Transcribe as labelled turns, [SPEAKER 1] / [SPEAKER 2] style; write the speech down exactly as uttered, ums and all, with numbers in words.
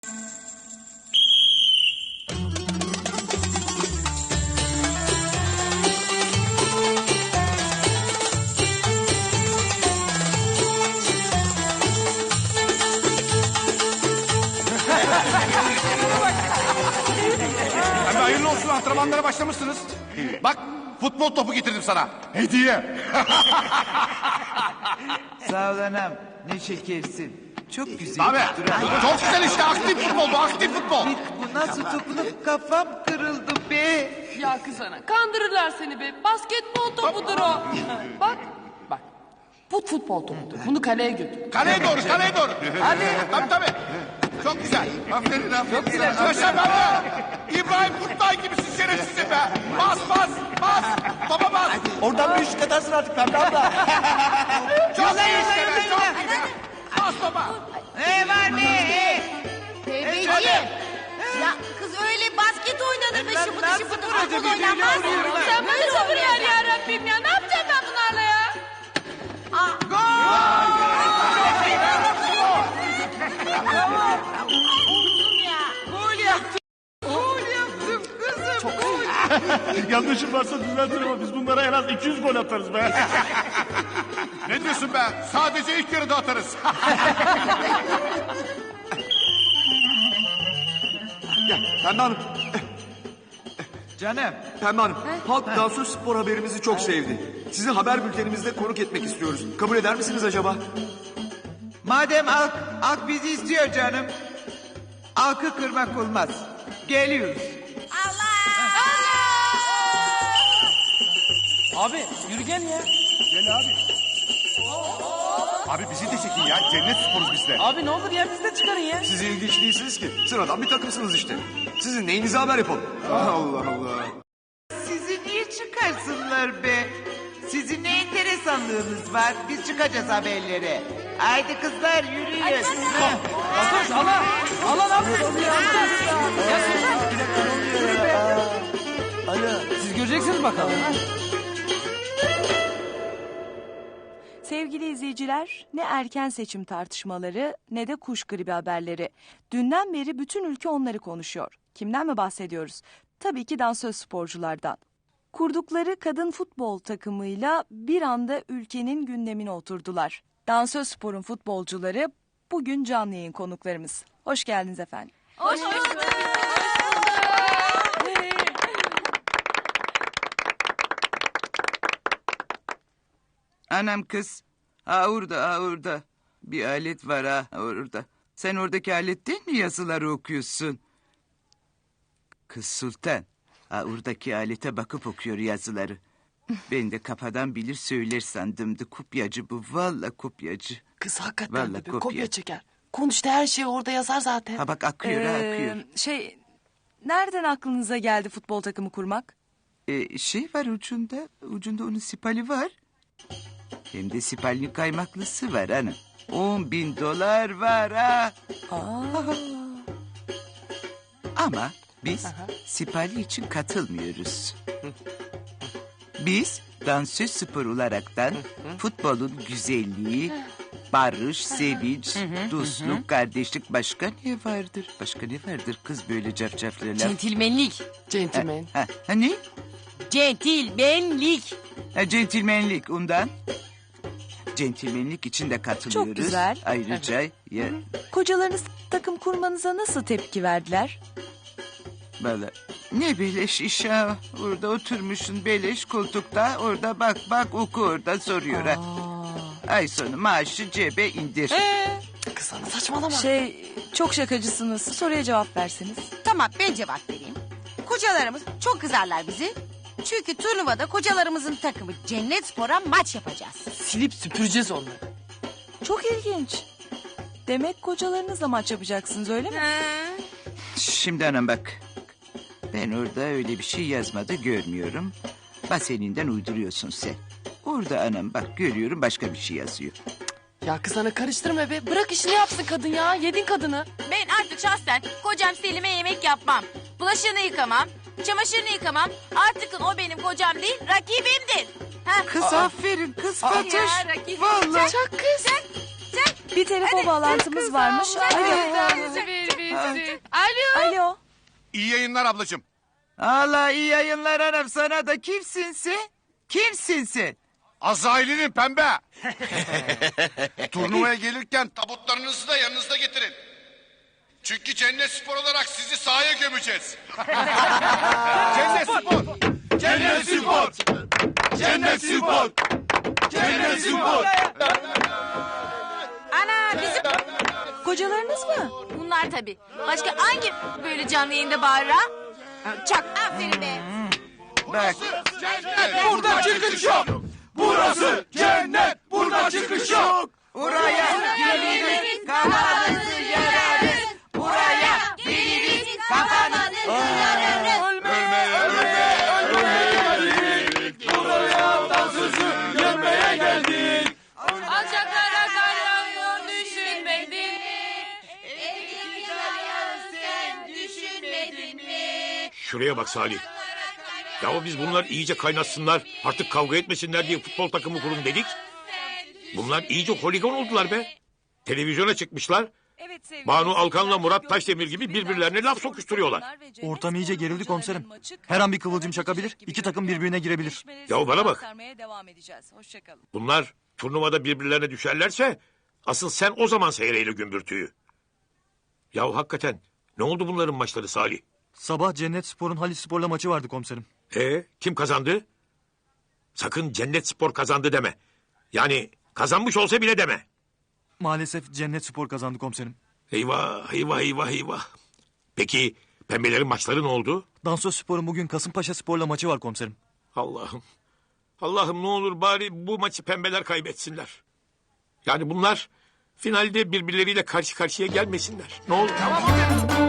[SPEAKER 1] Hem hayırlı olsun, antrenmanlara başlamışsınız. Bak, futbol topu getirdim sana. Hediye.
[SPEAKER 2] Sağ ol anam. Ne şekersin. Çok güzel.
[SPEAKER 1] Abi, çok güzel işte. Aktif futbol bu, aktif futbol.
[SPEAKER 2] Bu nasıl dokunup kafam kırıldı be.
[SPEAKER 3] Ya kız ana, kandırırlar seni be. Basketbol topudur o. Bak, bak. Bu futbol topudur. Bunu kaleye götür.
[SPEAKER 1] Kaleye doğru, kaleye doğru. Hadi. Tabii tabii. Çok güzel. Aferin, aferin. Çok güzel. Yaşa be. İbrahim Kutlay gibisin şerefsizim be. Bas, bas, bas. Topa bas.
[SPEAKER 4] Oradan bir üçlük atarsın artık Pembe abla.
[SPEAKER 1] Çok iyi işte be, çok iyi. Bas topa.
[SPEAKER 2] Ne var ne?
[SPEAKER 5] Tevbeciğim. Ya kız öyle basket oynanır be şıpıdı
[SPEAKER 2] nasıl
[SPEAKER 5] şıpıdı
[SPEAKER 2] vuracak?
[SPEAKER 5] futbol oynanmaz.
[SPEAKER 3] Sen böyle sabır yer ya Rabbim ya. Ne yapacağım ben bunlarla ya?
[SPEAKER 2] Gol yaptım. Gol yaptım kızım. Gol.
[SPEAKER 4] Yanlışım varsa düzeltin ama biz bunlara en az iki yüz gol atarız be.
[SPEAKER 1] Ne diyorsun be? Sadece ilk yarıda atarız.
[SPEAKER 6] Pembe Hanım,
[SPEAKER 2] Canım.
[SPEAKER 6] Pembe Hanım. Halk dansöz spor haberimizi çok sevdi. Sizi haber bültenimizde konuk etmek istiyoruz. Kabul eder misiniz acaba?
[SPEAKER 2] Madem halk, halk bizi istiyor canım. Halkı kırmak olmaz. Geliyoruz.
[SPEAKER 4] Abi yürü gel ya.
[SPEAKER 1] Gel abi. Abi bizi de çekin ya. Cennet sporuz biz de.
[SPEAKER 4] Abi ne olur ya biz de çıkarın ya.
[SPEAKER 6] Siz ilginç değilsiniz ki. Sıradan bir takımsınız işte. Sizin neyinize haber yapalım? Allah Allah.
[SPEAKER 2] Sizi niye çıkarsınlar be? Sizin ne enteresanlığınız var? Biz çıkacağız haberlere. Haydi kızlar yürüyün.
[SPEAKER 4] Bakın Allah. Allah ne yapıyorsun ya? Ya Sultan. Yürü be. Siz göreceksiniz bakalım.
[SPEAKER 7] Sevgili izleyiciler, ne erken seçim tartışmaları ne de kuş gribi haberleri. Dünden beri bütün ülke onları konuşuyor. Kimden mi bahsediyoruz? Tabii ki dansöz sporculardan. Kurdukları kadın futbol takımıyla bir anda ülkenin gündemine oturdular. Dansöz sporun futbolcuları bugün canlı yayın konuklarımız. Hoş geldiniz efendim.
[SPEAKER 5] Hoş bulduk.
[SPEAKER 2] Anam kız. Ha orada ha orada. Bir alet var ha orada. Sen oradaki aletten mi yazıları okuyorsun? Kız Sultan. Ha oradaki alete bakıp okuyor yazıları. Ben de kafadan bilir söyler sandımdı. Kopyacı bu. Vallahi kopyacı.
[SPEAKER 3] Kız hakikaten
[SPEAKER 2] Vallahi
[SPEAKER 3] de bir
[SPEAKER 2] kopya.
[SPEAKER 3] kopya çeker. Konuştu her şey orada yazar zaten.
[SPEAKER 2] Ha bak akıyor ha akıyor.
[SPEAKER 7] Ee, şey, nereden aklınıza geldi futbol takımı kurmak?
[SPEAKER 2] Ee, şey var ucunda. Ucunda onun sipali var. Hem de sipalin kaymaklısı var hanım. On bin dolar var ha.
[SPEAKER 7] Aa.
[SPEAKER 2] Ama biz sipali için katılmıyoruz. Biz dansöz spor olaraktan futbolun güzelliği, barış, sevinç, dostluk, kardeşlik başka ne vardır? Başka ne vardır kız böyle cafcaflı laf?
[SPEAKER 5] Centilmenlik.
[SPEAKER 3] Centilmen.
[SPEAKER 2] Ha, ha ne?
[SPEAKER 5] Centilmenlik.
[SPEAKER 2] Ha, centilmenlik ondan. Centilmenlik için de katılıyoruz.
[SPEAKER 7] Çok güzel.
[SPEAKER 2] Ayrıca ya,
[SPEAKER 7] Kocalarınız takım kurmanıza nasıl tepki verdiler?
[SPEAKER 2] valla ne beleş iş ha. Orada oturmuşsun beleş koltukta. Orada bak bak oku orada soruyor ha. Ay sonu maaşı cebe indir.
[SPEAKER 3] Kız sana saçmalama.
[SPEAKER 7] Şey, çok şakacısınız. Soruya cevap verseniz.
[SPEAKER 5] Tamam ben cevap vereyim. Kocalarımız çok kızarlar bizi. Çünkü turnuvada kocalarımızın takımı Cennet Spor'a maç yapacağız.
[SPEAKER 3] Silip süpüreceğiz onları.
[SPEAKER 7] Çok ilginç. Demek kocalarınızla maç yapacaksınız öyle mi?
[SPEAKER 2] Şimdi anam bak. Ben orada öyle bir şey yazmadı görmüyorum. Baseninden uyduruyorsun sen. Orada anam bak görüyorum başka bir şey yazıyor.
[SPEAKER 3] Ya kız sana karıştırma be. Bırak işini yapsın kadın ya. Yedin kadını.
[SPEAKER 5] Ben artık şahsen kocam Selim'e yemek yapmam. Bulaşığını yıkamam. Çamaşırını yıkamam. Artık o benim kocam değil, rakibimdir. Ha?
[SPEAKER 2] Kız aferin kız Fatoş.
[SPEAKER 5] Ya rakibim.
[SPEAKER 2] Vallahi.
[SPEAKER 5] Çak kız. Çak, çak.
[SPEAKER 7] Bir telefon bağlantımız varmış. Alo.
[SPEAKER 3] Ver ver. kahretsin. Alo.
[SPEAKER 7] Alo.
[SPEAKER 1] İyi yayınlar ablacığım.
[SPEAKER 2] Allah iyi yayınlar anam sana da. Kimsin sen? Kimsin sen?
[SPEAKER 1] Azrail'in pembe. Turnuvaya gelirken tabutlarınızı da yanınızda getirin. Çünkü Cennet Spor olarak sizi sahaya gömeceğiz. Cennet Spor. Cennet Spor. Cennet Spor. Cennet Spor.
[SPEAKER 5] Ana bizim
[SPEAKER 7] Kocalarınız mı?
[SPEAKER 5] bunlar tabii. Başka hangi böyle canlı yayında bağırır ha? Çak aferin be.
[SPEAKER 2] Bak.
[SPEAKER 1] Burada çıkış yok. Burası cennet. Burada çıkış yok.
[SPEAKER 2] Buraya geliriz kafanızı yararız. Buraya geliriz kafanızı yararız.
[SPEAKER 3] Alçaklara kaynıyor düşünmedin.
[SPEAKER 8] Şuraya bak Salih. Ya biz bunlar iyice kaynaşsınlar, artık kavga etmesinler diye futbol takımı kurun dedik. Bunlar iyice holigan oldular be. Televizyona çıkmışlar.
[SPEAKER 7] Evet sevgili
[SPEAKER 8] Banu
[SPEAKER 7] seyirciler,
[SPEAKER 8] Alkan'la Murat
[SPEAKER 7] gördüğünüz
[SPEAKER 8] Taşdemir gibi
[SPEAKER 7] gibi
[SPEAKER 8] birbirlerine
[SPEAKER 7] Dans
[SPEAKER 8] laf
[SPEAKER 7] Spor
[SPEAKER 8] sokuşturuyorlar.
[SPEAKER 7] takımlar ve Cennet
[SPEAKER 4] Ortam iyice
[SPEAKER 7] Spor
[SPEAKER 4] gerildi
[SPEAKER 7] oyuncularının
[SPEAKER 4] komiserim.
[SPEAKER 7] maçı
[SPEAKER 4] Her an bir
[SPEAKER 7] kazanma
[SPEAKER 4] kıvılcım çakabilir.
[SPEAKER 7] gibi
[SPEAKER 4] İki takım
[SPEAKER 7] görünüyor.
[SPEAKER 4] birbirine girebilir.
[SPEAKER 7] Gelişmeleri
[SPEAKER 8] Ya bana bak.
[SPEAKER 7] aktarmaya devam edeceğiz. Hoşçakalın.
[SPEAKER 8] Bunlar turnuvada birbirlerine düşerlerse asıl sen o zaman seyreyle gümbürtüyü. Ya hakikaten ne oldu bunların maçları Salih?
[SPEAKER 4] Sabah Cennet Spor'un Halis Spor'la maçı vardı komiserim.
[SPEAKER 8] E kim kazandı? Sakın Cennet Spor kazandı deme. Yani kazanmış olsa bile deme.
[SPEAKER 4] Maalesef Cennet Spor kazandı komiserim.
[SPEAKER 8] Eyvah eyvah eyvah eyvah. Peki pembelerin maçları ne oldu?
[SPEAKER 4] Dansöz Spor'un bugün Kasımpaşa Spor'la maçı var komiserim.
[SPEAKER 8] Allah'ım. Allah'ım ne olur bari bu maçı pembeler kaybetsinler. Yani bunlar finalde birbirleriyle karşı karşıya gelmesinler. Ne olur.
[SPEAKER 1] Tamam abi.